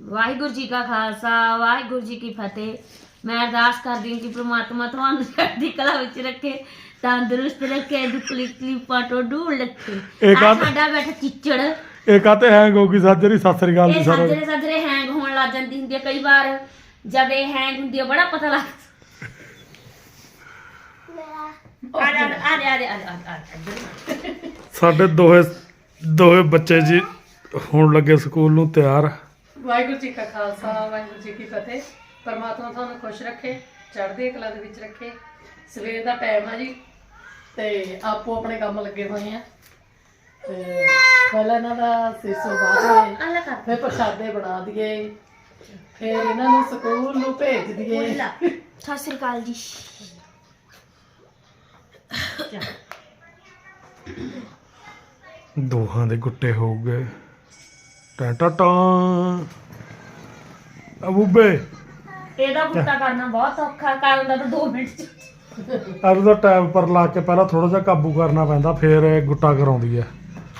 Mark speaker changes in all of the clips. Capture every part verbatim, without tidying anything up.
Speaker 1: ਵਾਹਿਗੁਰੂ ਜੀ ਕਾ ਖਾਲਸਾ ਵਾਹਿਗੁਰੂ ਜੀ ਕੀ ਫਤਿਹ। मैं अरदास करदी हूं कि परमात्मा तुहानू चढ़दी कला विच रखे, तंदुरुस्त रखे, दुखली तकलीफां तो दूर रखे। आ साडा बैठा चिच्चड़
Speaker 2: ਇਹ ਕਾਤੇ ਹੈਂਗ ਹੋ ਗਈ ਸਾਜਰੀ ਸਤਿ ਸ੍ਰੀ ਅਕਾਲ ਜੀ ਸਾਰੇ
Speaker 1: साजरे साजरे हैंग होने लग जाती हुंदी है कई बार जब ये हैंग हुंदी है बड़ा पता लग आ जा आ जा आ जा आ जा
Speaker 2: ਸਾਡੇ ਦੋਹੇ ਦੋਹੇ ਬੱਚੇ ਜੀ ਹੋਣ ਲੱਗੇ ਸਕੂਲ ਨੂੰ ਤਿਆਰ।
Speaker 3: ਵਾਹਿਗੁਰੂ ਜੀ ਕਾ ਖਾਲਸਾ ਵਾਹਿਗੁਰੂ ਜੀ ਕੀ ਫਤਿਹ। ਪਰਮਾਤਮਾ ਤੁਹਾਨੂੰ ਖੁਸ਼ ਰੱਖੇ, ਚੜ੍ਹਦੀ ਕਲਾ ਦੇ ਵਿੱਚ ਰੱਖੇ। ਸਵੇਰ ਦਾ ਟਾਈਮ ਆ ਜੀ ਤੇ ਆਪੋ ਆਪਣੇ ਕੰਮ ਲੱਗੇ ਹੋਏ ਆ। ਤੇ ਪਹਿਲਾਂ ਇਹਨਾਂ ਦਾ ਸਿਸੋ ਬਾਅਦ
Speaker 1: अल्लाह कर
Speaker 3: ਫਿਰ ਪ੍ਰਸ਼ਾਦੇ ਬਣਾ ਦਈਏ, ਫਿਰ ਇਹਨਾਂ ਨੂੰ ਸਕੂਲ ਨੂੰ ਭੇਜ ਦਈਏ।
Speaker 1: सत श्री अकाल जी।
Speaker 2: ਦੋਹਾਂ ਦੇ ਗੁੱਟੇ ਹੋ ਗਏ ਟਾ ਟਾ ਟਾ ਅਬੂਬੇ
Speaker 1: ਇਹਦਾ ਗੁੱਟਾ ਕਰਨਾ ਬਹੁਤ ਔਖਾ, ਕਰਨ ਦਾ ਤਾਂ ਦੋ ਮਿੰਟ ਚ।
Speaker 2: ਅੱਜ ਦਾ ਟਾਈਮ ਪਰ ਲਾ ਕੇ ਪਹਿਲਾਂ ਥੋੜਾ ਜਿਹਾ ਕਾਬੂ ਕਰਨਾ ਪੈਂਦਾ, ਫਿਰ ਇਹ ਗੁੱਟਾ ਕਰਾਉਂਦੀ ਹੈ।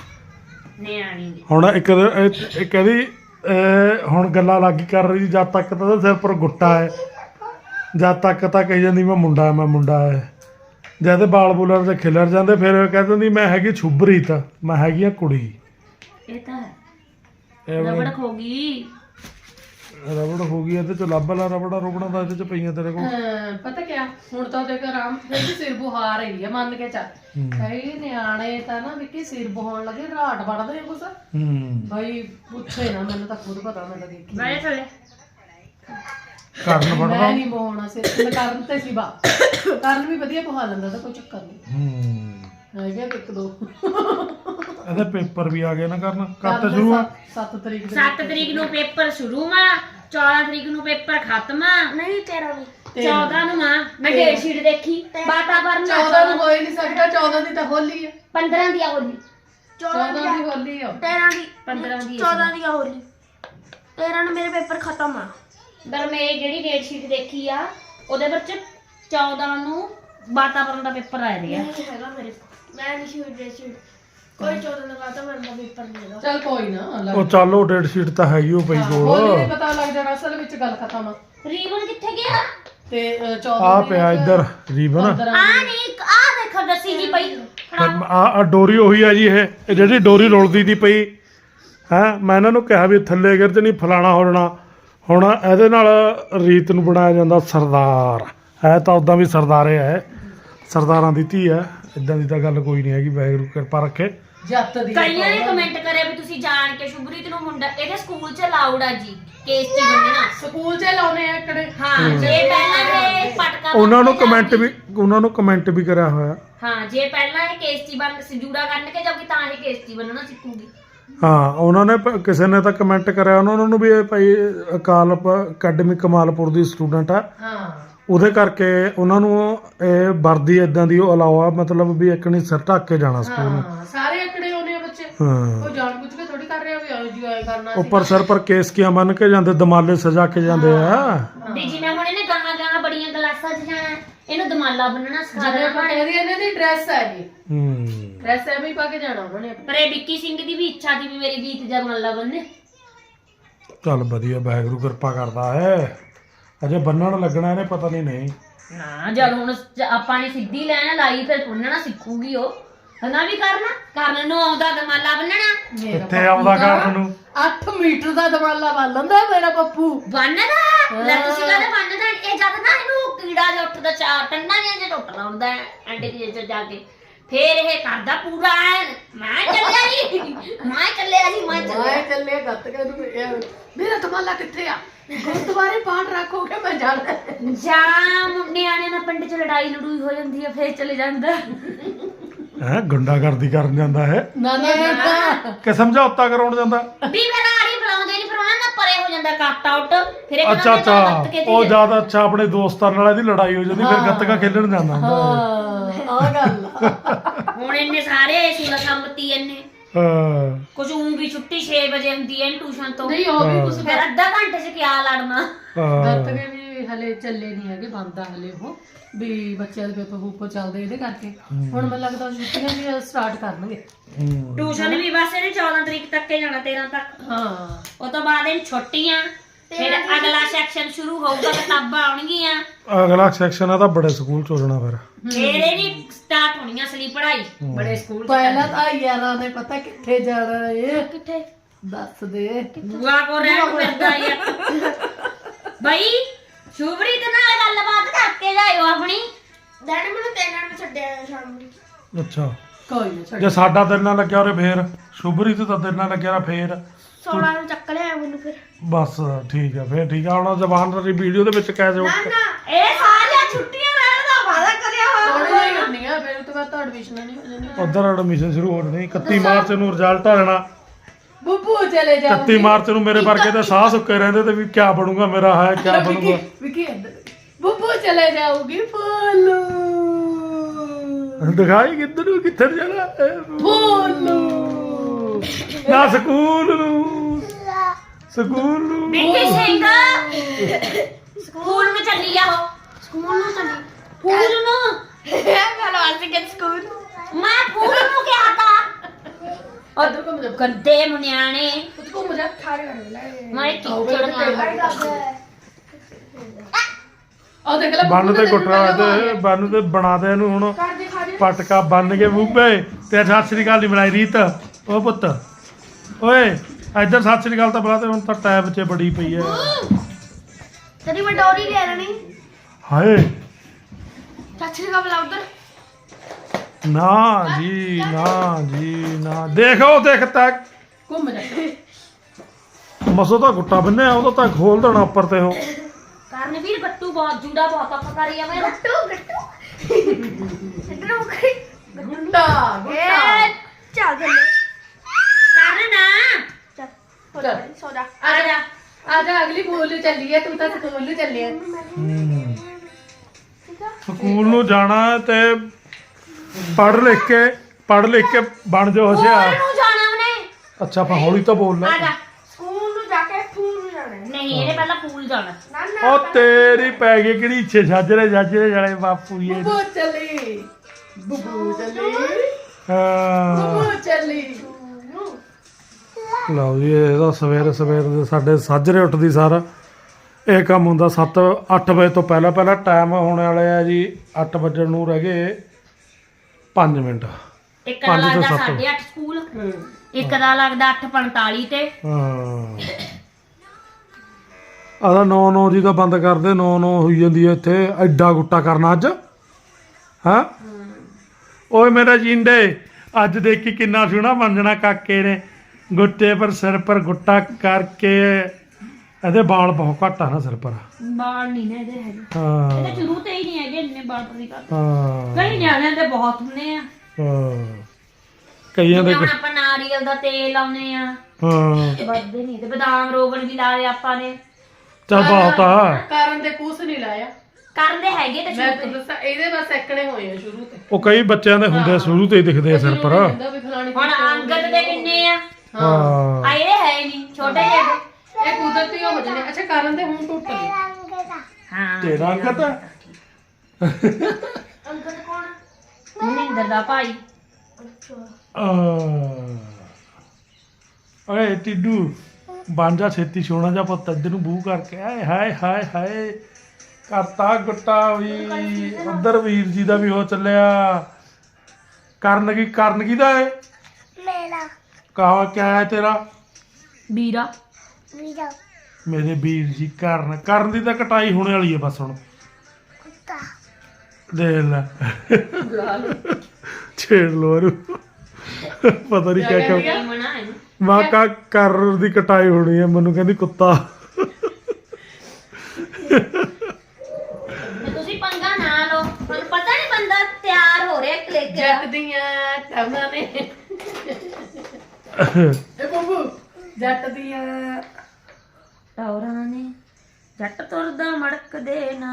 Speaker 1: ਨਿਆਣੀ ਦੀ
Speaker 2: ਹੁਣ ਇੱਕ ਇਹ ਇਹ ਕਹਿੰਦੀ ਇਹ ਹੁਣ ਗੱਲਾਂ ਲੱਗ ਕਰ ਰਹੀ ਜਦ ਤੱਕ ਤਾਂ ਇਹਦੇ ਸਿਰ ਪਰ ਗੁੱਟਾ ਹੈ, ਜਦ ਤੱਕ ਤਾਂ ਕਹੀ ਜਾਂਦੀ ਮੈਂ ਮੁੰਡਾ ਮੈਂ ਮੁੰਡਾ ਹੈ। ਜਦ ਬਾਲ ਬੁਲਰ ਤੇ ਖਿਲਰ ਜਾਂਦੇ ਫਿਰ ਕਹਿ ਦਿੰਦੀ ਮੈਂ ਹੈਗੀ ਛੁੱਬਰੀ, ਤਾਂ ਮੈਂ ਹੈਗੀ ਆ ਕੁੜੀ।
Speaker 1: ਇਹ ਤਾਂ
Speaker 2: ਇਹ
Speaker 1: ਰਬੜ ਖੋ ਗਈ।
Speaker 2: ਰਬੜ ਹੋ ਗਈ ਇਹਦੇ ਚ ਲੱਭ ਲਾ ਰਬੜਾ ਰੁਬੜਾ ਦਾ ਇਹਦੇ ਚ ਪਈਆਂ ਤੇਰੇ ਕੋਲ।
Speaker 3: ਹਾਂ, ਪਤਾ ਕਿਆ ਹੁਣ ਤਾਂ ਦੇਖ ਆਰਾਮ ਫਿਰ ਵੀ ਸਿਰ ਬੁਹਾਰ ਰਹੀ ਹੈ, ਮੰਨ ਕੇ ਚੱਲ। ਕਈ ਨਿਆਣੇ ਤਾਂ ਨਾ ਵਿੱਕੀ ਸਿਰ ਬੁਹਾਉਣ ਲੱਗੇ ਰਾਟ ਵੜਦੇ ਆ ਕੁਛ।
Speaker 2: ਹੂੰ
Speaker 3: ਭਾਈ ਪੁੱਛੇ ਨਾ, ਮੈਨੂੰ ਤਾਂ ਖੁਦ ਪਤਾ, ਮੈਂ ਤਾਂ ਦੇਖੀ
Speaker 1: ਬੜੇ ਥੱਲੇ
Speaker 2: ਕਰਨ ਵੜਦਾ।
Speaker 3: ਮੈਂ ਨਹੀਂ ਬੁਹਾਉਣਾ ਸਿਰ, ਮੈਂ ਕਰਨ ਤੇ ਸੀ ਬਾ ਕਰਨ ਵੀ ਵਧੀਆ ਬੁਹਾ ਲੈਂਦਾ ਤਾਂ ਕੋਈ ਚੱਕਰ ਨਹੀਂ।
Speaker 2: ਹੂੰ
Speaker 3: ਹੈਗੇ ਇੱਕ ਦੋ
Speaker 2: ਇਹਦੇ ਪੇਪਰ ਵੀ ਆ ਗਏ ਨਾ ਕਰਨ ਕੱਤ ਸ਼ੁਰੂ ਆ।
Speaker 3: ਸੱਤ ਤਰੀਕ ਦੇ
Speaker 1: ਸੱਤ ਤਰੀਕ ਨੂੰ ਪੇਪਰ ਸ਼ੁਰੂ ਮਾ, ਚੌਦਾਂ ਤਰੀਕ ਨੂੰ ਪੇਪਰ ਖਤਮ ਆ। ਨਹੀਂ ਤੇਰਾਂ ਨੂੰ ਚੌਦਾਂ ਨੂੰ ਆ। ਮੈਂ ਡੇਟ ਸ਼ੀਟ ਦੇਖੀ, ਵਾਤਾਵਰਨ
Speaker 3: ਚੌਦਾਂ ਨੂੰ ਹੋ ਹੀ ਨਹੀਂ ਸਕਦਾ, ਚੌਦਾਂ ਦੀ ਤਾਂ ਹੋਲੀ ਹੈ।
Speaker 1: ਪੰਦਰਾਂ ਦੀ ਆ ਹੋਲੀ,
Speaker 3: ਚੌਦਾਂ ਦੀ ਹੋਲੀ ਆ।
Speaker 1: ਤੇਰਾਂ ਦੀ ਪੰਦਰਾਂ ਦੀ
Speaker 4: चौदह दी होली तेरह ਨੂੰ ਮੇਰੇ ਪੇਪਰ ਖਤਮ ਆ।
Speaker 1: ਪਰ ਮੈਂ ਜਿਹੜੀ ਡੇਟ ਸ਼ੀਟ ਦੇਖੀ ਆ ਉਹਦੇ ਵਿੱਚ ਚੌਦਾਂ ਨੂੰ ਵਾਤਾਵਰਨ ਦਾ ਪੇਪਰ ਆ ਰਿਹਾ।
Speaker 4: ਨਹੀਂ ਹੈਗਾ ਮੇਰੇ ਕੋਲ, ਮੈਂ ਨਹੀਂ ਸ਼ੂਟ ਦੇ ਸ਼ੂਟ ਕੋਈ ਚੌਦਹ ਦਾ ਵਾਤਾ ਮੇਰਾ ਪੇਪਰ ਨਹੀਂ ਹੈਗਾ।
Speaker 3: ਚੱਲ ਕੋਈ ਨਾ ਲੱਗ
Speaker 2: ਉਹ ਚੱਲ ਉਹ ਡੇਟ ਸ਼ੀਟ ਤਾਂ ਹੈਗੀ ਉਹ ਪਈ
Speaker 3: ਹੋਲੀ
Speaker 2: ਕੋਲ।
Speaker 3: ਦੇ ਪਤਾ ਲੱਗ ਜਾਣਾ, ਅਸਲ ਵਿੱਚ ਗੱਲ ਖਤਮ ਆ।
Speaker 1: ਰੀਵਨ ਕਿੱਥੇ ਗਿਆ?
Speaker 3: ਤੇ ਅ, ਚੌਦਾਂ
Speaker 2: ਆ
Speaker 3: ਦੀ
Speaker 2: ਪਿਆ ਇੱਧਰ ਰੀਬਨ।
Speaker 3: ਪੰਦਰਾਂ
Speaker 1: ਆ ਨਹੀਂ ਆ ਦੇਖੋ ਦੱਸੀ ਜੀ ਪਈ।
Speaker 2: ਆ ਆ ਡੋਰੀ ਉਹੀ ਆ ਜੀ, ਇਹ ਇਹ ਜਿਹੜੀ ਡੋਰੀ ਰੁਲਦੀ ਦੀ ਪਈ ਹੈ। ਮੈਂ ਇਹਨਾਂ ਨੂੰ ਕਿਹਾ ਵੀ ਥੱਲੇ ਗਿਰ ਚ ਨਹੀਂ ਫਲਾਣਾ ਹੋ ਜਾਣਾ। ਹੁਣ ਇਹਦੇ ਨਾਲ ਰੀਤ ਨੂੰ ਬਣਾਇਆ ਜਾਂਦਾ ਸਰਦਾਰ। ਹੈ ਤਾਂ ਉਦਾਂ ਵੀ ਸਰਦਾਰੇ ਹੈ, ਸਰਦਾਰਾਂ ਦੀ ਧੀ ਹੈ। ਇਦਾਂ ਦੀ ਤਾਂ ਗੱਲ ਕੋਈ ਨਹੀਂ ਹੈਗੀ, ਵਾਹਿਗੁਰੂ ਕਿਰਪਾ ਰੱਖੇ।
Speaker 3: ਜੱਤ ਦੀ
Speaker 1: ਕਈਆਂ ਨੇ ਕਮੈਂਟ ਕਰਿਆ ਵੀ ਤੁਸੀਂ ਜਾਣ ਕੇ ਸ਼ੁਭਰੀਤ ਨੂੰ ਮੁੰਡਾ ਇਹਦੇ ਸਕੂਲ ਚ ਅਲਾਉਡ ਆ ਜੀ ਕੇਸ ਚ ਬੰਨਣਾ।
Speaker 3: ਸਕੂਲ 'ਚ ਲਾਉਨੇ ਆ ਇਕੜੇ।
Speaker 1: ਹਾਂ ਜੇ ਪਹਿਲਾਂ ਇਹ ਪਟਕਾ
Speaker 2: ਉਹਨਾਂ ਨੂੰ
Speaker 1: ਬੰਨ੍ਹ ਕੇ
Speaker 2: ਕਮੈਂਟ ਵੀ ਉਹਨਾਂ ਨੂੰ ਕਮੈਂਟ ਵੀ ਕਰਿਆ ਹੋਇਆ।
Speaker 1: ਹਾਂ ਜੇ ਪਹਿਲਾਂ ਇਹ ਕੇਸਟੀ ਬਣ ਜੂੜਾ ਕਰਨ ਕੇ ਜਦ ਤਾਂ ਇਹ ਕੇਸਟੀ ਬੰਨਣਾ ਸਿੱਖੂਗੀ।
Speaker 2: ਹਾਂ ਉਹਨਾਂ ਨੇ ਪ- ਕਿਸੇ ਨੇ ਤਾਂ ਕਮੈਂਟ ਕਰਿਆ ਉਹਨਾਂ ਨੂੰ ਵੀ ਇਹ ਭਾਈ ਅਕਾਲ ਪ- ਅਕੈਡਮੀ ਕਮਾਲਪੁਰ ਦੀ ਸਟੂਡੈਂਟ ਆ,
Speaker 3: ਹਾਂ
Speaker 2: ਉਹਦੇ ਕਰਕੇ ਉਹਨਾਂ ਨੂੰ ਇਹ ਵਰਦੀ ਇਦਾਂ ਦੀ ਉਹ ਅਲਾਵਾ, ਮਤਲਬ ਵੀ ਇੱਕ ਨਹੀਂ ਸਿਰ ਢੱਕ ਕੇ ਜਾਣਾ ਸਕੂਲ ਨੂੰ।
Speaker 3: ਹਾਂ ਸਾਰੇ ਇਕੜੇ ਹੋਣੇ ਆ ਬੱਚੇ।
Speaker 2: ਹਾਂ
Speaker 3: ਕੋਈ ਜਾਣ ਬੁੱਝ ਕੇ ਥੋੜੀ ਕਰ ਰਿਹਾ ਵੀ ਆਇਓ ਜੀ ਆਏ ਕਰਨਾ।
Speaker 2: ਉੱਪਰ ਸਿਰ ਪਰ ਕੇਸਕੀਆਂ ਬੰਨ ਕੇ ਜਾਂਦੇ, ਦਮਾਲੇ ਸਜਾ ਕੇ ਜਾਂਦੇ ਆ।
Speaker 1: ਵੀ ਜਿਵੇਂ ਹੁਣ ਇਹਨੇ ਗਾਹਾਂ ਗਾਹਾਂ ਬੜੀਆਂ ਗਲਾਸਾਂ 'ਚ ਜਾਣਾ ਇਹਨੂੰ ਦਮਾਲਾ ਬੰਨਣਾ ਸਿਖਾ
Speaker 3: ਜਿਵੇਂ ਆਪਾਂ
Speaker 1: ਦੇਣਾ।
Speaker 3: ਕਹਿੰਦੇ ਇਹਨਾਂ ਦੀ ਡਰੈਸ ਹੈ ਜੀ,
Speaker 2: ਹੂੰ
Speaker 3: ਡਰੈਸ ਐਵੇਂ ਹੀ ਪਾ ਕੇ ਜਾਣਾ ਉਹਨਾਂ ਨੇ।
Speaker 1: ਪਰ ਇਹ ਵਿੱਕੀ ਸਿੰਘ ਦੀ ਵੀ ਇੱਛਾ ਸੀ ਵੀ ਮੇਰੀ ਗੀਤ ਜਾਂ ਦਮਾਲਾ ਬੰਨੇ।
Speaker 2: ਚੱਲ ਵਧੀਆ, ਵਾਹਿਗੁਰੂ ਕਿਰਪਾ ਕਰਦਾ ਹੈ। ਅਜੇ ਬੰਨਣ ਲੱਗਣਾ ਇਹਨੇ, ਪਤਾ ਨਹੀਂ ਨਹੀਂ
Speaker 1: ਨਾ ਜਦ ਹੁਣ ਜ- ਆਪਾਂ ਨੇ ਸਿੱਧੀ ਲੈਣ ਲਾਈ ਫਿਰ ਬੰਨਣਾ ਸਿੱਖੂਗੀ ਉਹ। ਹਨਾ ਵੀ ਕਰਨਾ ਕਰਨ ਨੂੰ ਆਉਂਦਾ ਦਮਾਲਾ ਬੰਨਣਾ।
Speaker 3: ਮੇਰਾ
Speaker 2: ਕਿੱਥੇ ਆਉਂਦਾ ਕਰਨ ਨੂੰ।
Speaker 3: ਅੱਠ ਮੀਟਰ ਦਾ ਦਮਾਲਾ ਬੰਨ ਲੈਂਦਾ ਮੇਰਾ ਪੱਪੂ।
Speaker 1: ਬੰਨਦਾ ਲੈ ਤੁਸੀਂ ਕਹਿੰਦੇ ਬੰਨਦਾ ਇਹ ਜਦ ਨਾ ਇਹਨੂੰ ਕੀੜਾ ਜਿਹਾ ਉੱਠਦਾ ਚਾਰ ਟੰਨਾਂ ਜਿਹਾ ਟੁੱਟ ਲਾਉਂਦਾ ਐਂਡੇ ਦੀ ਚ ਜਾ ਕੇ ਫੇਰ ਇਹ ਕਰਦਾ ਪੂਰਾ ਐਨ ਮੈਂ ਚੱਲਿਆ ਜੀ ਮੈਂ ਚੱਲਿਆ ਜੀ ਮੈਂ ਚੱਲਿਆ।
Speaker 3: ਮੈਂ ਚੱਲੇ ਗੱਤ ਕੇ ਨੂੰ ਇਹ ਮੇਰਾ ਦਮਾਲਾ ਕਿੱਥੇ ਆ? ਗੁਰਦੁਆਰੇ ਪਾਠ ਰੱਖੋਗੇ ਮੈਂ ਜਾਣਾ।
Speaker 1: ਜਾਂ ਨਿਆਣੇ ਨਾਲ ਪਿੰਡ ਚ ਲੜਾਈ ਲੜੂਈ ਹੋ ਜਾਂਦੀ ਹੈ ਫੇਰ ਚਲੇ ਜਾਂਦਾ।
Speaker 2: ਹੈ ਗੁੰਡਾਗਰਦੀ ਕਰਨ ਜਾਂਦਾ ਹੈ
Speaker 3: ਨਾ ਨਾ ਨਾ
Speaker 2: ਕਿ ਸਮਝੌਤਾ ਕਰਾਉਣ ਜਾਂਦਾ।
Speaker 1: ਵੀ ਫਿਰ ਆੜੀ ਬੁਲਾਉਂਦੇ ਨਹੀਂ ਫਿਰ ਉਹਨਾਂ ਨਾਲ ਪਰੇ ਹੋ ਜਾਂਦਾ ਕੱਟ ਆਊਟ ਫਿਰ ਇਹ
Speaker 2: ਅੱਛਾ
Speaker 1: ਕਹਿੰਦਾ
Speaker 2: ਅੱਛਾ
Speaker 1: ਗੱਤ ਕੇ
Speaker 2: ਉਹ ਜ਼ਿਆਦਾ ਅੱਛਾ ਆਪਣੇ ਦੋਸਤਾਂ ਨਾਲ ਇਹਦੀ ਲੜਾਈ ਹੋ ਜਾਂਦੀ, ਫਿਰ ਗੱਤਕਾ ਖੇਲਣ ਜਾਂਦਾ ਹੁੰਦਾ।
Speaker 3: ਹਾਂ ਆ ਗੱਲ ਆ।
Speaker 1: ਹੁਣ ਇੰਨੇ ਸਾਰੇ ਸੁਲਾ ਸੰਮਤੀ ਇੰਨੇ
Speaker 2: ਹਾਂ
Speaker 1: ਕੁਝ ਉਂ ਵੀ ਛੁੱਟੀ ਛੇ ਵਜੇ ਹੁੰਦੀ ਹੈ ਟਿਊਸ਼ਨ ਤੋਂ।
Speaker 3: ਨਹੀਂ ਉਹ ਵੀ ਕੁਛ
Speaker 1: ਫਿਰ ਅੱਧਾ ਘੰਟੇ ਚ ਕਿਆ ਲੜਨਾ।
Speaker 2: ਹਾਂ
Speaker 3: ਗੱਤ ਕੇ ਵੀ ਵੀ ਹਲੇ ਚੱਲੇ ਨਹੀਂ ਹੈਗੇ, ਬੰਦ ਆ ਹਲੇ ਉਹ ਵੀ ਬੱਚਿਆਂ ਦੇ ਪੇਪਰ ਪੂਪਰ ਚੱਲਦੇ ਇਹਦੇ ਕਰਕੇ। ਹੁਣ ਮੈਨੂੰ ਲੱਗਦਾ ਛੁੱਟੀਆਂ ਵੀ ਸਟਾਰਟ ਕਰਨਗੇ।
Speaker 2: ਹੂੰ।
Speaker 1: ਟਿਊਸ਼ਨ ਵੀ ਬਸ ਇਹਨੇ ਚੌਦਾਂ ਤਰੀਕ ਤੱਕ ਹੀ ਜਾਣਾ, ਤੇਰਾਂ ਤੱਕ।
Speaker 3: ਹਾਂ
Speaker 1: ਉਹ ਤੋਂ ਬਾਅਦ ਇਹ ਛੁੱਟੀਆਂ, ਫਿਰ ਅਗਲਾ ਸੈਕਸ਼ਨ ਸ਼ੁਰੂ ਹੋਊਗਾ, ਕਿਤਾਬਾਂ ਆਉਣਗੀਆਂ,
Speaker 2: ਅਗਲਾ ਸੈਕਸ਼ਨ ਆ ਤਾਂ ਬੜੇ ਸਕੂਲ ਚ ਹੋ ਜਾਣਾ ਫਿਰ।
Speaker 1: ਫਿਰ ਇਹਦੀ ਸਟਾਰਟ ਹੋਣੀ ਆ ਅਸਲੀ ਪੜ੍ਹਾਈ ਬੜੇ ਸਕੂਲ ਚ।
Speaker 3: ਪਹਿਲਾਂ ਤਾਂ ਯਾਰਾਂ ਨੇ ਪਤਾ ਕਿੱਥੇ ਜਾਣਾ ਏ,
Speaker 4: ਕਿੱਥੇ
Speaker 3: ਦੱਸ ਦੇ।
Speaker 1: ਬੁਆ ਕੋ ਰਹਿਣ ਫਿਰਦਾ ਯਾਰ ਬਈ। ਸ਼ੁਭਰੀਤ ਨਾਲ ਗੱਲਬਾਤ ਕਰਕੇ ਜਾਇਓ ਆਪਣੀ।
Speaker 4: ਡੈਡੀ ਮੈਨੂੰ ਤੇਰੇ ਨਾਲ ਛੱਡਿਆ ਸ਼ਾਮ ਨੂੰ।
Speaker 2: ਅੱਛਾ,
Speaker 3: ਕੋਈ ਨਾ ਛੱਡ।
Speaker 2: ਜੇ ਸਾਡਾ ਦਿਲ ਨਾ ਲੱਗਿਆ ਉਰੇ ਫੇਰ ਸ਼ੁਭਰੀ ਤੇ ਤਾਂ ਦਿਲ ਨਾ ਲੱਗਿਆ ਨਾ ਫੇਰ
Speaker 4: ਸੋਲਾਂ ਨੂੰ ਚੱਕ ਲਿਆ ਮੈਨੂੰ ਫਿਰ।
Speaker 2: ਬਸ ਠੀਕ ਆ, ਫੇਰ ਠੀਕ ਆ। ਹੁਣ ਜ਼ਬਾਨ ਦੀ ਵੀਡੀਓ ਦੇ ਵਿੱਚ ਕਹਿ ਜੋ
Speaker 4: ਨਾ ਨਾ
Speaker 1: ਇਹ ਸਾਰੀਆਂ ਛੁੱਟੀਆਂ ਰਹਿਣ ਦਾ ਵਾਅਦਾ ਕਰਿਆ ਹੋਇਆ।
Speaker 3: ਥੋੜੀ ਜਿਹੀ ਕਰਨੀ ਆ, ਫਿਰ ਉਹ ਤੋਂ ਬਾਅਦ ਤਾਂ ਐਡਮਿਸ਼ਨ ਨਹੀਂ ਹੋ ਜਾਣੀ।
Speaker 2: ਉਧਰ ਐਡਮਿਸ਼ਨ ਸ਼ੁਰੂ ਹੋ ਜਾਣੀ ਇਕੱਤੀ ਮਾਰਚ ਨੂੰ, ਰਿਜ਼ਲਟ ਆ ਜਾਣਾ
Speaker 3: ਬੁੱਬੂ ਚਲੇ ਜਾ।
Speaker 2: ਇਕੱਤੀ ਮਾਰਚ ਨੂੰ। ਮੇਰੇ ਵਰਗੇ ਤੇ ਸਾਹ ਸੁੱਕੇ ਰਹਿੰਦੇ ਤੇ ਵੀ ਕਿਆ ਬਣੂਗਾ ਮੇਰਾ, ਹੈ ਕਿਆ ਬਣੂਗਾ।
Speaker 3: ਵਿਕੀ ਇੱਧਰ। ਬੁੱਬੂ ਚਲੇ ਜਾਊਗੀ ਫੋਲੂ
Speaker 2: ਦਿਖਾਈ ਕਿੱਧਰ ਨੂੰ, ਕਿੱਥੇ ਜਾਣਾ
Speaker 3: ਫੋਲੂ
Speaker 2: ਨਾ ਸਕੂਲ ਨੂੰ, ਸਕੂਲ ਨੂੰ।
Speaker 1: ਬਿੱਕੀ ਸਿੰਘ ਸਕੂਲ ਨੂੰ ਚੱਲੀ ਆ ਉਹ।
Speaker 4: ਸਕੂਲ ਨੂੰ ਚੱਲੀ।
Speaker 1: ਫੂਲ ਨੂੰ
Speaker 4: ਮੈਂ ਵਾਸਤੇ ਕਿ ਸਕੂਲ
Speaker 1: ਮੈਂ ਫੂਲ ਨੂੰ ਕਿਹਾ ਤਾ।
Speaker 3: ਇੱਧਰ ਘੁੰਮ ਜਾ।
Speaker 1: ਗੰਦੇ ਮੁਨਿਆਣੇ
Speaker 3: ਉੱਥੇ ਘੁੰਮ ਜਾ।
Speaker 4: ਖਾੜੇ ਕਰ ਲੈ
Speaker 1: ਮੈਂ
Speaker 3: ਆਓ ਬਈ,
Speaker 1: ਕਿੱਥੇ
Speaker 3: ਉੱਥੇ
Speaker 1: ਮਾਰ।
Speaker 3: ਆਹ ਦੇਖ ਲੈ
Speaker 2: ਬੰਨ
Speaker 3: ਬੁੱਬੂ
Speaker 2: ਤੇ
Speaker 3: ਦੇ
Speaker 2: ਕੁੱਟਣਾ
Speaker 3: ਦਿਲ
Speaker 2: ਤੇ ਬੰਨ ਤੇ ਬਣਾ ਦੇ ਇਹਨੂੰ ਹੁਣ
Speaker 4: ਕਰ ਦੇ ਖਾ ਦੇ।
Speaker 2: ਪਟਕਾ ਬੰਨ ਕੇ ਮੂੰਹੇ ਤੇ ਸਤਿ ਸ੍ਰੀ ਅਕਾਲ ਦੀ ਬਣਾਈ ਰੀਤ। ਉਹ ਪੁੱਤ ਓਏ ਇੱਧਰ ਸਤਿ ਸ੍ਰੀ ਅਕਾਲ ਤਾਂ ਬੁਲਾ ਤੇ ਹੁਣ ਤਾਂ ਟੈਬ 'ਚ ਬੜੀ ਪਈ ਐ।
Speaker 4: ਤੇਰੀ ਮੈਂ ਡੋਰੀ ਲੈ ਲੈਣੀ।
Speaker 2: ਹਾਏ
Speaker 4: ਚਾਚੀ ਦਾ ਬਲਾ ਉਧਰ।
Speaker 2: ਨਾ ਜੀ, ਨਾ ਜੀ, ਨਾ। ਦੇਖੋ ਦੇਖ ਤੱਕ
Speaker 3: ਘੁੰਮ ਜਾ।
Speaker 2: ਮਸੋ ਤਾਂ ਗੁੱਟਾ ਬੰਨਿਆ, ਉਹਦਾ ਤਾਂ ਖੋਲ ਦੇਣਾ ਉੱਪਰ ਤੇ ਉਹ।
Speaker 1: ਕਰਨਵੀਰ ਗੱਟੂ ਬਹੁਤ ਜੂੜਾ ਬਹੁਤ ਔਖਾ ਕਰੀ ਆ ਮੇਰਾ।
Speaker 4: ਗੱਟੂ ਗੱਟੂ ਇੱਧਰ ਮੁਖੀ
Speaker 3: ਗੁੰਡਾ ਗੁੰਡਾ।
Speaker 4: ਏ ਚੱਲ ਚੱਲ
Speaker 1: ਕਰ ਨਾ
Speaker 4: ਚੱਲ ਹੋ ਜਾ ਸੋ ਜਾ।
Speaker 1: ਆ ਜਾ।
Speaker 3: ਆ ਜਾ ਅਗਲੀ ਬੋਲ ਚੱਲੀ ਹੈ, ਤੂੰ ਤਾਂ ਸਕੂਲ ਨੂੰ ਚੱਲੀ ਹੈ।
Speaker 2: ਹੂੰ। ਸਕੂਲ ਨੂੰ ਜਾਣਾ ਤੇ ਪੜ੍ਹ ਲਿਖ ਕੇ ਪੜ੍ਹ ਲਿਖ ਕੇ ਬਣ ਜਾਓ
Speaker 1: ਫੂਲ
Speaker 2: ਹੁਸ਼ਿਆਰ।
Speaker 1: ਨੂੰ ਜਾਣਾ ਉਹਨੇ।
Speaker 2: ਅੱਛਾ ਆਪਾਂ ਹੌਲੀ ਤਾਂ ਬੋਲ ਲੈ।
Speaker 1: ਆ ਜਾ।
Speaker 4: ਸਕੂਲ ਨੂੰ ਜਾ ਕੇ ਫੂਲ ਨੂੰ ਜਾਣਾ ਹੈ।
Speaker 1: ਨਹੀਂ ਇਹਨੇ ਪਹਿਲਾਂ ਫੂਲ ਜਾਣਾ।
Speaker 4: ਨਾ ਨਾ
Speaker 2: ਉਹ ਤੇਰੀ ਪੈ ਗਈ ਕਿਹੜੀ ਇੱਛੇ ਛਾਜਰੇ ਛਾਜਰੇ ਜਾਲੇ ਬਾਪੂ ਇਹ।
Speaker 3: ਬੁੱਬੂ ਚੱਲੀ ਬੁੱਬੂ ਚੱਲੀ
Speaker 2: ਹਾਂ
Speaker 3: ਬੁੱਬੂ ਚੱਲੀ।
Speaker 2: ਲਓ ਜੀ, ਇਹਦਾ ਸਵੇਰ ਸਵੇਰ ਦੇ ਸਾਡੇ ਸਾਜਰੇ ਉੱਠਦੀ ਸਾਰਾ ਇਹ ਕੰਮ ਹੁੰਦਾ। ਸੱਤ ਅੱਠ ਵਜੇ ਤੋਂ ਪਹਿਲਾਂ ਪਹਿਲਾਂ ਟਾਈਮ ਹੋਣ ਵਾਲੇ ਆ ਜੀ। ਅੱਠ ਵਜਣ ਨੂੰ ਰਹਿ ਗਏ ਪੰਜ ਮਿੰਟ।
Speaker 1: ਇੱਕ ਦਾ
Speaker 2: ਪੰਜ ਤੋਂ
Speaker 1: ਲੱਗਦਾ
Speaker 2: ਸੱਤ।
Speaker 1: ਸਾਢੇ ਅੱਠ ਸਕੂਲ, ਇੱਕ ਦਾ ਲੱਗਦਾ ਅੱਠ ਪੰਤਾਲੀ ਤੇ।
Speaker 2: ਹਾਂ ਆਦਾ ਨੌ ਨੌ ਜੀ ਦਾ ਬੰਦ ਕਰਦੇ। ਨੌ ਨੌ ਹੋਈ ਜਾਂਦੀ ਹੈ ਇੱਥੇ। ਐਡਾ ਗੁੱਟਾ ਕਰਨਾ ਅੱਜ ਹਾਂ। ਓਏ ਮੇਰਾ ਜਿੰਦੇ ਅੱਜ ਦੇਖੀ ਕਿੰਨਾ ਸੋਹਣਾ ਮੰਨਣਾ ਕਾਕੇ ਨੇ। ਗੁੱਟੇ ਪਰ ਸਿਰ ਪਰ ਗੁੱਟਾ ਕਰਕੇ। ਇਹਦੇ ਵਾਲ ਬਹੁਤ ਘੱਟ ਆ ਨਾ ਸਿਰ ਪਰ।
Speaker 1: ਬਾਲ ਨਹੀਂ ਨੇ ਇਹਦੇ ਹੈਗੇ।
Speaker 2: ਹਾਂ
Speaker 1: ਇਹਦੇ ਸ਼ੁਰੂ ਤੇ ਹੀ ਨਹੀਂ ਹੈਗੇ ਇੰਨੇ ਬਾਲ ਪਰੀ ਕਰ।
Speaker 2: ਹਾਂ
Speaker 1: ਕਈ ਨਿਆਣਿਆਂ ਦੇ ਬਹੁਤ ਹੁੰਦੇ ਆ।
Speaker 2: ਹਾਂ ਕਈਆਂ ਦੇ
Speaker 1: ਜਿਵੇਂ ਹੁਣ ਆਪਾਂ ਨਾਰੀਅਲ ਦਾ ਤੇਲ ਲਾਉਨੇ ਆ,
Speaker 2: ਹਾਂ
Speaker 1: ਵੱਧਦੇ ਨਹੀਂ। ਤੇ ਬਦਾਮ ਰੋਗਣ ਵੀ ਲਾਏ ਆਪਾਂ ਨੇ।
Speaker 2: ਚੱਲ ਬਹੁਤ ਆ।
Speaker 3: ਕਾਰਨ ਤੇ ਕੁਛ ਨਹੀਂ ਲਾਇਆ।
Speaker 1: ਕਰਦੇ ਹੈਗੇ ਤੇ
Speaker 3: ਮੈਂ
Speaker 1: ਸ਼ੁਰੂ
Speaker 3: ਤੁਹਾਨੂੰ ਦੱਸਾਂ ਇਹਦੇ ਬਸ ਐਕਣੇ ਹੋਏ ਆ ਸ਼ੁਰੂ ਤੇ।
Speaker 2: ਉਹ ਕਈ ਬੱਚਿਆਂ ਦੇ ਹੁੰਦੇ ਆ, ਸ਼ੁਰੂ ਤੋਂ ਹੀ ਦਿਖਦੇ ਆ ਸਿਰ ਪਰ।
Speaker 3: ਕਹਿੰਦਾ ਵੀ ਫਲਾਣੀ
Speaker 1: ਹੁਣ
Speaker 3: ਚੀਜ਼
Speaker 1: ਅੰਗਦ ਦੇ ਕਿੰਨੇ ਆ?
Speaker 2: ਹਾਂ
Speaker 1: ਆਏ ਹੈ ਹੀ ਨਹੀਂ ਛੋਟੇ ਜਿਹੇ।
Speaker 3: ਇਹ ਕੁਦਰਤੀ ਹੋ ਜਾਂਦੇ। ਅੱਛਾ ਕਾਰਨ ਤੇ ਹੁਣ ਟੁੱਟ ਗਈ।
Speaker 1: ਹਾਂ
Speaker 2: ਤੇਰਾ ਅੰਗਤ ਆ?
Speaker 4: ਅੰਕਲ ਕੌਣ?
Speaker 1: ਮਨਿੰਦਰ ਦਾ ਭਾਈ।
Speaker 4: ਅੱਛਾ
Speaker 2: ਆਹ। ਓਏ ਟਿੱਡੂ ਬਾਂਝਾ ਛੇਤੀ ਸੋਣਾ ਜਾ ਪੁੱਤ ਇੱਧਰ ਨੂੰ ਬੂਹ ਕਰਕੇ। ਹਾਏ ਹਾਏ ਹਾਏ ਹਾਏ ਕਰਤਾ ਗੁੱਟਾ ਵੀ। ਉੱਧਰ ਵੀਰ ਜੀ ਦਾ ਵੀ ਹੋ ਚੱਲਿਆ। ਕਰਨ ਕੀ ਕਰਨ ਕੀ ਦਾ ਏ?
Speaker 4: ਮੇਰਾ
Speaker 2: ਕਹਾ ਕਿਆ ਹੈ ਤੇਰਾ?
Speaker 1: ਵੀਰਾ
Speaker 4: ਵੀਰਾ
Speaker 2: ਮੇਰੇ ਵੀਰ ਜੀ ਕਰਨ ਕਰਨ ਦੀ ਤਾਂ ਕਟਾਈ ਹੋਣੇ ਵਾਲੀ ਹੈ ਬਸ ਹੁਣ।
Speaker 4: ਕੁੱਤਾ
Speaker 2: ਦੇਖ ਲੈ
Speaker 3: ਬੁਲਾ ਲਓ।
Speaker 2: ਛੇੜ ਲੋ ਇਹਨੂੰ। ਪਤਾ ਨਹੀਂ ਕਿਆ ਕਿਆ
Speaker 1: ਕੀ ਮਨਾ ਹੈ
Speaker 2: ਮੈਂ ਕਾ ਕਰ ਦੀ ਕਟਾਈ ਹੋਣੀ ਹੈ। ਮੈਨੂੰ ਕਹਿੰਦੀ ਕੁੱਤਾ।
Speaker 1: ਤੇ ਤੁਸੀਂ ਪੰਗਾ ਨਾ ਲਓ। ਤੁਹਾਨੂੰ ਪਤਾ ਨਹੀਂ ਬੰਦਾ ਤਿਆਰ ਹੋ ਰਿਹਾ ਕਲਿੱਕ।
Speaker 3: ਜੱਟ ਦੀਆਂ ਟਵਨਾਂ ਨੇ। ਇਹ ਬੱਬੂ ਜੱਟ ਦੀਆਂ
Speaker 1: ਟੌਰਾਂ ਨੇ ਜੱਟ ਤੁਰਦਾ ਮੜਕ ਦੇ ਨਾ।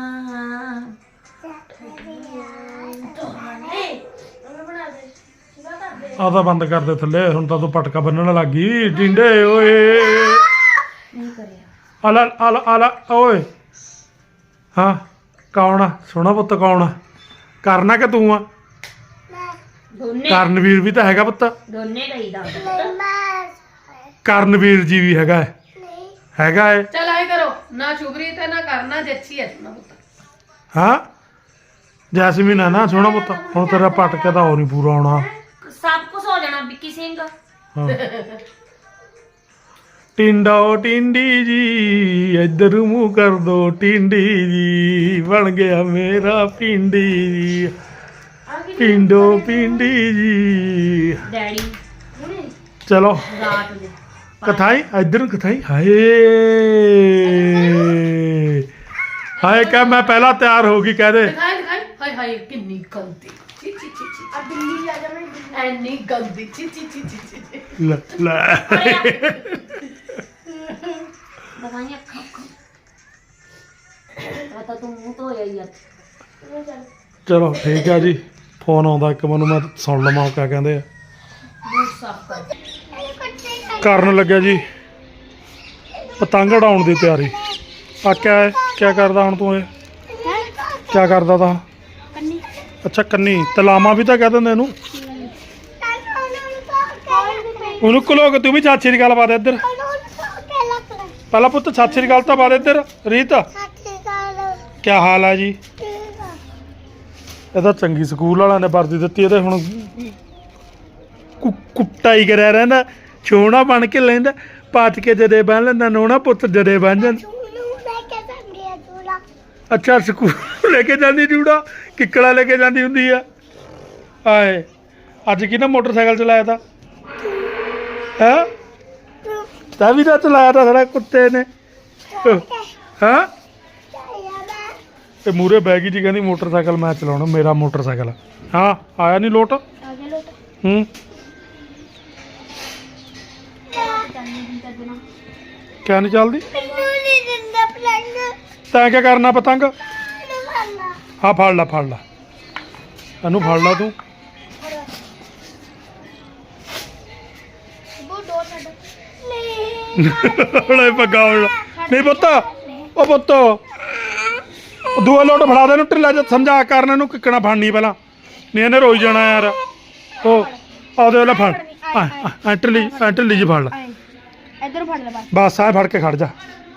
Speaker 4: ਉਹਨੇ ਬਣਾ ਦੇ ਸਿੱਧਾ ਕਰ ਦੇ।
Speaker 2: ਆ ਤਾਂ ਬੰਦ ਕਰ ਦੇ ਥੱਲੇ। ਹੁਣ ਤਾਂ ਤੂੰ ਪਟਕਾ ਬੰਨਣ ਲੱਗ ਗਈ। ਟਿੰਡੇ ਓਏ
Speaker 1: ਨਹੀਂ ਕਰਿਆ।
Speaker 2: ਆਲਾ ਆਲਾ ਆਲਾ ਓਏ ਹਾਂ ਕੌਣ ਆ ਸੋਹਣਾ ਪੁੱਤ ਕੌਣ ਆ ਕਰਨਾ ਕਿ ਤੂੰ ਆ
Speaker 1: ਦੋਨੇ
Speaker 2: ਕਰਨਵੀਰ ਵੀ ਤਾਂ ਹੈਗਾ ਪੁੱਤ
Speaker 1: ਦੋਨੇ ਕਹੀਦਾ
Speaker 2: ਕਰਨਵੀਰ ਜੀ ਵੀ ਹੈਗਾ ਹੈ। ਹੈਗਾ ਹੈ
Speaker 3: ਚਲ ਆਏ ਕਰੋ ਨਾ ਸ਼ੁਭਰੀ ਤੇ ਨਾ ਕਰਨਾ ਜੱਚੀ ਹੈ ਨਾ ਪੁੱਤ।
Speaker 2: ਹਾਂ ਜੈਸਮੀਨ ਹੈ ਨਾ ਸੋਹਣਾ ਪੁੱਤ ਹੁਣ ਤੇਰਾ ਪਟਕੇ ਤਾਂ ਹੋਰ ਨਹੀਂ ਪੂਰਾ ਆਉਣਾ
Speaker 1: ਸਭ ਕੁਝ ਹੋ ਜਾਣਾ ਵਿੱਕੀ ਸਿੰਘ
Speaker 2: ਹਾਂ ਟਿੰਡੋ ਟਿੰਡੀ ਜੀ ਇੱਧਰ ਮੂੰਹ ਕਰ ਦੋ ਟਿੰਡੀ ਜੀ ਬਣ ਗਿਆ ਮੇਰਾ ਪਿੰਡੀ ਜੀ ਪਿੰਡੋ ਪਿੰਡੀ ਜੀ
Speaker 1: ਡੈਡੀ
Speaker 2: ਚਲੋ
Speaker 1: ਰਾਤ ਦੇ
Speaker 2: ਕਥਾਈ ਇੱਧਰ ਨੂੰ ਕਥਾਈ ਹਾਏ ਹਾਏ ਕਹ ਮੈਂ ਪਹਿਲਾਂ ਤਿਆਰ ਹੋ ਗਈ ਕਹਿ ਦੇ
Speaker 3: ਦਿਖਾਈ ਦਿਖਾਈ ਹਾਏ ਹਾਏ ਕਿੰਨੀ ਗੰਦੀ ਚੀ ਚੀ ਚੀ ਚੀ
Speaker 4: अब दिल्ली जा जा मैं
Speaker 3: ਐਨੀ ਗੰਦੀ ਚੀ ਚੀ ਚੀ ਚੀ ਚੀ ਚੀ।
Speaker 2: ਲੈ ਲੈ
Speaker 1: ਦਵਾਈਆਂ ਖਾ ਖਾ ਆ ਤਾਂ ਤੂੰ ਮੂੰਹ ਧੋਇਆ ਹੀ ਆ
Speaker 2: ਚਲੋ ਠੀਕ ਆ ਜੀ ਫੋਨ ਆਉਂਦਾ ਇੱਕ ਮੈਨੂੰ ਮੈਂ ਸੁਣ ਲਵਾਂ ਉਹ ਕਿਆ ਕਹਿੰਦੇ ਆ
Speaker 1: ਮੂੰਹ ਸਾਫ ਕਰ
Speaker 2: ਕਰਨ ਲੱਗਿਆ ਜੀ ਪਤੰਗ ਉਡਾਉਣ ਦੀ ਤਿਆਰੀ ਆ ਕਿਆ ਹੈ ਕਿਆ ਕਰਦਾ ਹੁਣ ਤੂੰ ਇਹ ਕਿਆ ਕਰਦਾ ਤਾ ਅੱਛਾ ਕੰਨੀ ਤਲਾਮਾ ਵੀ ਤਾਂ ਕਹਿ ਦਿੰਦੇ ਇਹਨੂੰ ਉਹਨੂੰ ਘਲੋ ਕੇ ਤੂੰ ਵੀ ਚਾਚੀ ਦੀ ਗੱਲ ਪਾ ਦੇ ਇੱਧਰ ਪਹਿਲਾਂ ਪੁੱਤ ਚਾਚੀ ਦੀ ਗੱਲ ਤਾਂ ਪਾ ਦੇ ਇੱਧਰ ਰੀਤ ਕਿਆ ਹਾਲ ਹੈ ਜੀ ਇਹ ਤਾਂ ਚੰਗੀ ਸਕੂਲ ਵਾਲਿਆਂ ਨੇ ਵਰਦੀ ਦਿੱਤੀ ਇਹਦੇ ਹੁਣ ਕੁ- ਕੁੱਟਾ ਹੀ ਕਰਿਆ ਰਹਿੰਦਾ ਛੋਣਾ ਬਣ ਕੇ ਲੈਂਦਾ ਪਾਟ ਕੇ ਜਦੇ ਬੰਨ ਲੈਂਦਾ ਨੋਣਾ ਪੁੱਤ ਜਦੇ ਬੰਨ ਜਾਂਦਾ ਅੱਛਾ ਸਕੂਲ ਲੈ ਕੇ ਜਾਂਦੀ ਜੂੜਾ ਕਿੱਕੜਾ ਲੈ ਕੇ ਜਾਂਦੀ ਹੁੰਦੀ ਆ ਆਏ ਅੱਜ ਕਿਹਨੇ ਮੋਟਰਸਾਈਕਲ ਚਲਾਇਆ ਤਾ ਹੈ ਤਾਂ ਵੀ ਤਾਂ ਚਲਾਇਆ ਤਾ ਸਾਡਾ ਕੁੱਤੇ ਨੇ ਹਾਂ ਤੇ ਮੂਰੇ ਬੈਗੀ ਜੀ ਕਹਿੰਦੀ ਮੋਟਰਸਾਈਕਲ ਮੈਂ ਚਲਾਉਣਾ ਮੇਰਾ ਮੋਟਰਸਾਈਕਲ ਹਾਂ ਆਇਆ ਨਹੀਂ ਲੋਟ ਹੂੰ ਕਿਆ ਨਹੀਂ ਚੱਲਦੀ ਤੈਂ ਕਿਆ ਕਰਨਾ ਪਤੰਗ ਹਾਂ ਫੜ ਲਾ ਫੜ ਲਾ ਇਹਨੂੰ ਫੜ ਲਾ ਤੂੰ ਹਲੇ ਪੱਗਾ ਹੁਣ ਨਹੀਂ ਪੁੱਤ ਉਹ ਪੁੱਤ ਉਹ ਦੂਆ ਲੋਟ ਫੜਾ ਦੇ ਨੂੰ ਢਿੱਲਾ ਜਿਹਾ ਸਮਝਾ ਕਰਨ ਨੂੰ ਕਿੱਕਣਾ ਫੜਨੀ ਪਹਿਲਾਂ ਨਹੀਂ ਇਹਨੇ ਰੋਈ ਜਾਣਾ ਯਾਰ ਉਹ ਆਉਦੇ ਵਾਲਾ ਫੜ ਆ ਢਿੱਲੀ ਐ ਢਿੱਲੀ ਜੀ ਫੜ ਲਾ
Speaker 4: इधर फड़ ले बस
Speaker 2: ਬਸ ਆ ਫੜ ਕੇ ਖੜ ਜਾ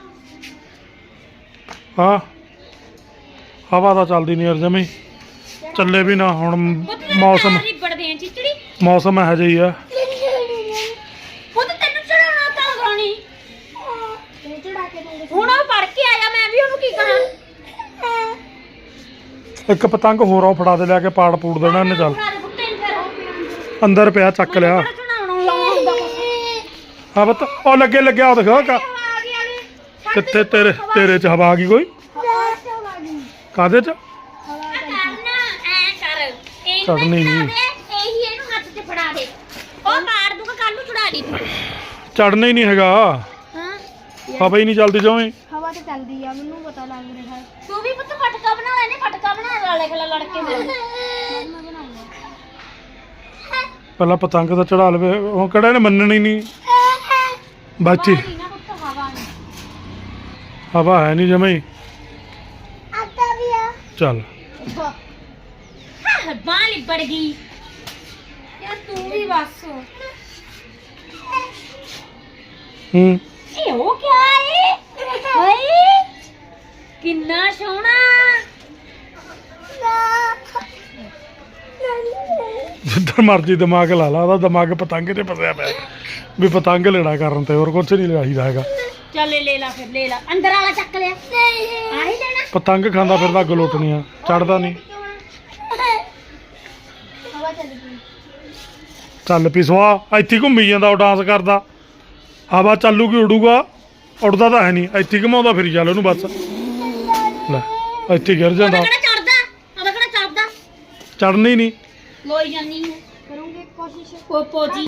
Speaker 2: ਹਾਂ ਹਵਾ ਤਾਂ ਚੱਲਦੀ ਨਹੀਂ ਯਾਰ ਜਮੀ ਚੱਲੇ ਵੀ ਨਾ ਹੁਣ ਮੌਸਮ
Speaker 1: ਲਿਬੜਦੇ ਆ ਚਿਚੜੀ
Speaker 2: ਮੌਸਮ ਇਹੋ ਜਿਹਾ ਹੀ ਆ
Speaker 1: ਉਹ ਤਾਂ ਤੈਨੂੰ ਚੜਾਉਣਾ ਤਾਂ ਗਾਣੀ
Speaker 4: चढ़ा के दूंगे
Speaker 1: ਹੁਣ ਉਹ ਪੜ ਕੇ ਆਇਆ ਮੈਂ ਵੀ ਉਹਨੂੰ ਕੀ ਕਰਾਂ
Speaker 2: ਇੱਕ ਪਤੰਗ ਹੋਰ ਆ ਫੜਾ ਦੇ ਲਿਆ ਕੇ ਪਾੜ ਪੂੜ ਦੇਣਾ ਇਹਨੇ ਚੱਲ
Speaker 1: ਬਣਾ ਦੇ ਕੁੱਤੇ ਨੂੰ ਫਿਰ
Speaker 2: ਅੰਦਰ ਪਿਆ ਚੱਕ ਲਿਆ
Speaker 1: ਚੜਾਉਣਾ ਲਾਉਣਾ ਹੁੰਦਾ ਕੁਛ
Speaker 2: ਹਾਂ ਪੁੱਤ ਉਹ ਲੱਗੇ ਲੱਗਿਆ ਉਹ ਦਿਖਾ ਕਾ
Speaker 1: ਆ ਗਿਆ ਵੀ
Speaker 2: ਕਿੱਥੇ ਤੇਰੇ ਤੇਰੇ ਚ ਹਵਾ ਆ ਗਈ ਕੋਈ ਕਾਦੇ ਚ
Speaker 1: ਕਰਨਾ ਐ ਕਰ ਇਹ
Speaker 2: ਚੜ੍ਹਨੀ ਨੀ।
Speaker 1: ਇਹੀ ਇਹਨੂੰ ਹੱਥ 'ਚ ਫੜਾ ਦੇ ਉਹ ਮਾਰ ਦੂਗਾ ਕੱਲ ਨੂੰ ਚੜਾ ਦੀ ਤੂੰ
Speaker 2: ਚੜਨਾ ਹੀ ਨਹੀਂ ਹੈਗਾ
Speaker 4: हाँ
Speaker 2: ਹਵਾ ਹੀ ਨਹੀਂ ਚੱਲਦੀ ਜਵੇਂ
Speaker 4: हवा तो चलती है मैनू पता लग रहा है
Speaker 1: ਤੂੰ ਵੀ ਪੁੱਤ ਫਟਕਾ ਬਣਾ ਲੈਨੇ ਫਟਕਾ ਬਣਾ ਲਾਲੇ ਖਲਾ ਲੜ ਕੇ ਮੇਰੇ
Speaker 4: मैं बनाऊंगा
Speaker 2: ਪਹਿਲਾਂ ਪਤੰਗ ਤਾਂ ਚੜਾ ਲਵੇ ਉਹ ਕਿਹੜਾ ਨੇ ਮੰਨਣੀ ਨਹੀਂ ਬਾਚੀ
Speaker 1: ਨਹੀਂ ਨਾ ਪੁੱਤ ਹਵਾ ਨਹੀਂ
Speaker 2: ਹਵਾ ਹੈ ਨਹੀਂ ਜਮੇ
Speaker 4: आता भी है
Speaker 2: ਚੱਲ
Speaker 1: ਹਾਂ ਬਾਂਹ ਲਿਬੜ ਗਈ ਯਾਰ ਤੂੰ ਵੀ ਬਸ
Speaker 2: ਹੂੰ
Speaker 1: ਇਹ ਉਹ ਕਿਆ ਹੈ ਓਏ ਕਿੰਨਾ ਸੋਹਣਾ
Speaker 2: ਜਿੱਧਰ ਮਰਜੀ ਦਿਮਾਗ ਲਾ ਲਾ ਉਹਦਾ ਦਿਮਾਗ ਪਤੰਗ ਤੇ ਫਸਿਆ ਪਿਆ ਵੀ ਪਤੰਗ ਲੈਣਾ ਕਰਨ ਤੇ ਹੋਰ ਕੁਝ ਨਹੀਂ ਲਿਆਈਦਾ ਹੈਗਾ
Speaker 1: ਚੱਲ ਲੈ ਲਾ ਫਿਰ ਲੈ ਲਾ ਅੰਦਰ ਵਾਲਾ ਚੱਕ ਲਿਆ ਆਹੀ ਲੈਣਾ
Speaker 2: ਪਤੰਗ ਖਾਂਦਾ ਫਿਰਦਾ ਗਲੋਟਣੀਆਂ ਚੜਦਾ ਨਹੀਂ
Speaker 4: हवा चल गई
Speaker 2: ਚੱਲ ਪੀ ਸੁਆ ਇੱਥੇ ਹੀ ਘੁੰਮੀ ਜਾਂਦਾ ਉਹ ਡਾਂਸ ਕਰਦਾ ਹਵਾ ਚੱਲੂਗੀ ਉਡੂਗਾ ਉੜਦਾ ਤਾਂ ਹੈ ਨਹੀਂ ਇੱਥੇ ਹੀ ਘੁਮਾਉਂਦਾ ਫਿਰ ਚੱਲ ਉਹਨੂੰ ਬਸ ਲੈ ਇੱਥੇ ਹੀ ਗਿਰ
Speaker 1: ਉਹਦਾ
Speaker 2: ਜਾਂਦਾ
Speaker 1: ਕਿਹੜਾ ਚੜਦਾ ਉਹਦਾ ਕਿਹੜਾ ਚੜਦਾ
Speaker 2: ਚੜਨਾ ਹੀ ਨਹੀਂ
Speaker 1: ਲੋਈ ਜਾਨੀ ਹੈ
Speaker 4: करूंगी कोशिश
Speaker 1: ਪੋਪੋ ਜੀ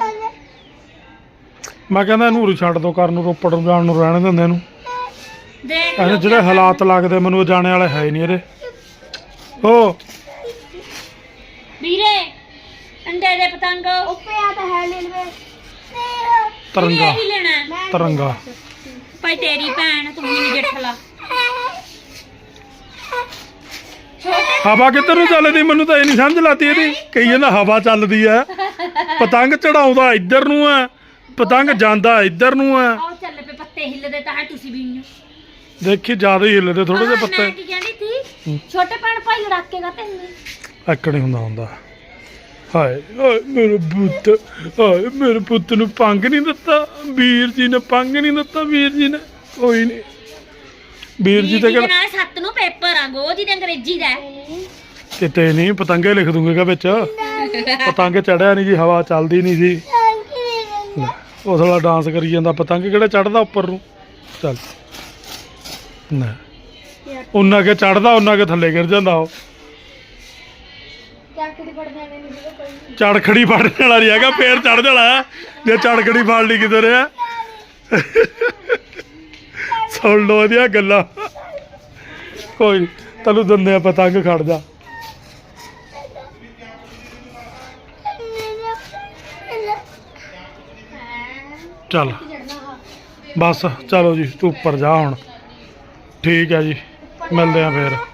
Speaker 2: ਮੈਂ ਕਹਿੰਦਾ ਇਹਨੂੰ ਉਰੀ ਛੱਡ ਦੋ ਕਰਨ ਨੂੰ ਰੋਪੜ ਨੂੰ ਜਾਣ ਨੂੰ ਰਹਿਣ ਦਿੰਦੇ ਇਹਨੂੰ
Speaker 1: ਦੇਖ
Speaker 2: ਇਹਨੇ ਜਿਹੜੇ ਹਾਲਾਤ ਲੱਗਦੇ ਮੈਨੂੰ ਉਹ ਜਾਣੇ ਵਾਲੇ ਹੈ ਹੀ ਨਹੀਂ ਇਹਦੇ ਹੋ
Speaker 1: ਵੀਰੇ ਅੰਡੇ ਦੇ ਪਤੰਗ
Speaker 4: ऊपर आता है ले ले
Speaker 2: ਤਰੰਗਾ
Speaker 1: ਹੀ ਲੈਣਾ ਹੈ।
Speaker 2: ਤਰੰਗਾ
Speaker 1: ਭਾਈ ਤੇਰੀ ਭੈਣ ਤੂੰ ਵੀ ਨਹੀਂ ਜੱਠ ਲਾ
Speaker 2: ਹਵਾ ਕਿੱਧਰ ਨੂੰ ਚੱਲਦੀ ਮੈਨੂੰ ਤਾਂ ਇਹ ਨਹੀਂ ਸਮਝ ਲਾਤੀ ਇਹਦੀ ਕਹੀ ਜਾਂਦਾ ਹਵਾ ਚੱਲਦੀ ਆ ਪਤੰਗ ਚੜਾਉਂਦਾ ਇੱਧਰ ਨੂੰ ਆ ਪਤੰਗ ਜਾਂਦਾ ਇੱਧਰ ਨੂੰ ਆ
Speaker 1: ਆਹ ਚੱਲ ਪਏ ਪੱਤੇ ਹਿੱਲਦੇ ਤਾਂ ਹੈ ਤੁਸੀਂ ਵੀ ਨਹੀਂ
Speaker 2: ਦੇਖੀ ਜ਼ਿਆਦਾ ਹੀ ਹਿੱਲਦੇ ਥੋੜੇ ਜਿਹੇ
Speaker 1: ਮੈਂ
Speaker 2: ਪੱਤੇ
Speaker 1: ਕੀ ਕਹਿੰਦੀ ਸੀ ਛੋਟੇ ਭੈਣ ਭਾਈ ਲੜਾਕੇ ਗਾ ਤੈਨੂੰ
Speaker 2: ਐਕੜ ਨਹੀਂ ਹੁੰਦਾ ਹੁੰਦਾ ਹਾਏ ਹਾਏ ਮੇਰੇ ਪੁੱਤ ਹਾਏ ਮੇਰੇ ਪੁੱਤ ਨੂੰ ਪੰਗ ਨਹੀਂ ਦਿੱਤਾ ਵੀਰ ਜੀ ਨੇ ਪੰਗ ਨਹੀਂ ਦਿੱਤਾ ਵੀਰ ਜੀ ਨੇ ਕੋਈ ਨਹੀਂ ਵੀਰ ਜੀ ਤੇ
Speaker 1: ਜਿਹਦੇ
Speaker 2: ਕਿਹੜਾ
Speaker 1: ਨਾਲ ਸੱਤ ਨੂੰ ਪੇਪਰ ਆ ਗੋ ਜੀ ਦੇ ਅੰਗਰੇਜ਼ੀ ਦਾ
Speaker 2: ਕਿਤੇ ਨਹੀਂ ਪਤੰਗੇ ਲਿਖ ਦੂੰਗਾ ਵਿੱਚ ਪਤੰਗ ਚੜਿਆ ਨਹੀਂ ਜੀ ਹਵਾ ਚੱਲਦੀ ਨਹੀਂ ਸੀ ਉਸ ਵਾਲਾ ਡਾਂਸ ਕਰੀ ਜਾਂਦਾ ਪਤੰਗ ਕਿਹੜਾ ਚੜਦਾ ਉੱਪਰ ਨੂੰ ਚੱਲ ਨਾ ਉਹਨਾਂ ਕੇ ਚੜਦਾ ਉਹਨਾਂ ਕੇ ਥੱਲੇ ਗਿਰ ਜਾਂਦਾ ਉਹ
Speaker 4: ਚਾਕੜੀ ਪੜ ਜਾਣੇ ਨਹੀਂ ਸੀਗਾ ਕੋਈ
Speaker 2: ਚੜਖੜੀ ਫੜਨ ਵਾਲਾ ਨਹੀਂ ਹੈਗਾ ਫੇਰ ਚੜ ਜਾਣਾ ਜੇ ਚੜਖੜੀ ਫੜ ਲਈ ਕਿਤੇ ਰਿਹਾ ਸੁਣ ਲੋ ਇਹਦੀਆਂ ਗੱਲਾਂ ਕੋਈ ਨੀ, ਤੈਨੂੰ ਦਿੰਦੇ ਆ ਪਤੰਗ ਖੜ ਜਾ ਚੱਲ ਬਸ ਚਲੋ ਜੀ ਤੂੰ ਉੱਪਰ ਜਾ ਹੁਣ ਠੀਕ ਹੈ ਜੀ ਮਿਲਦੇ ਆ ਫੇਰ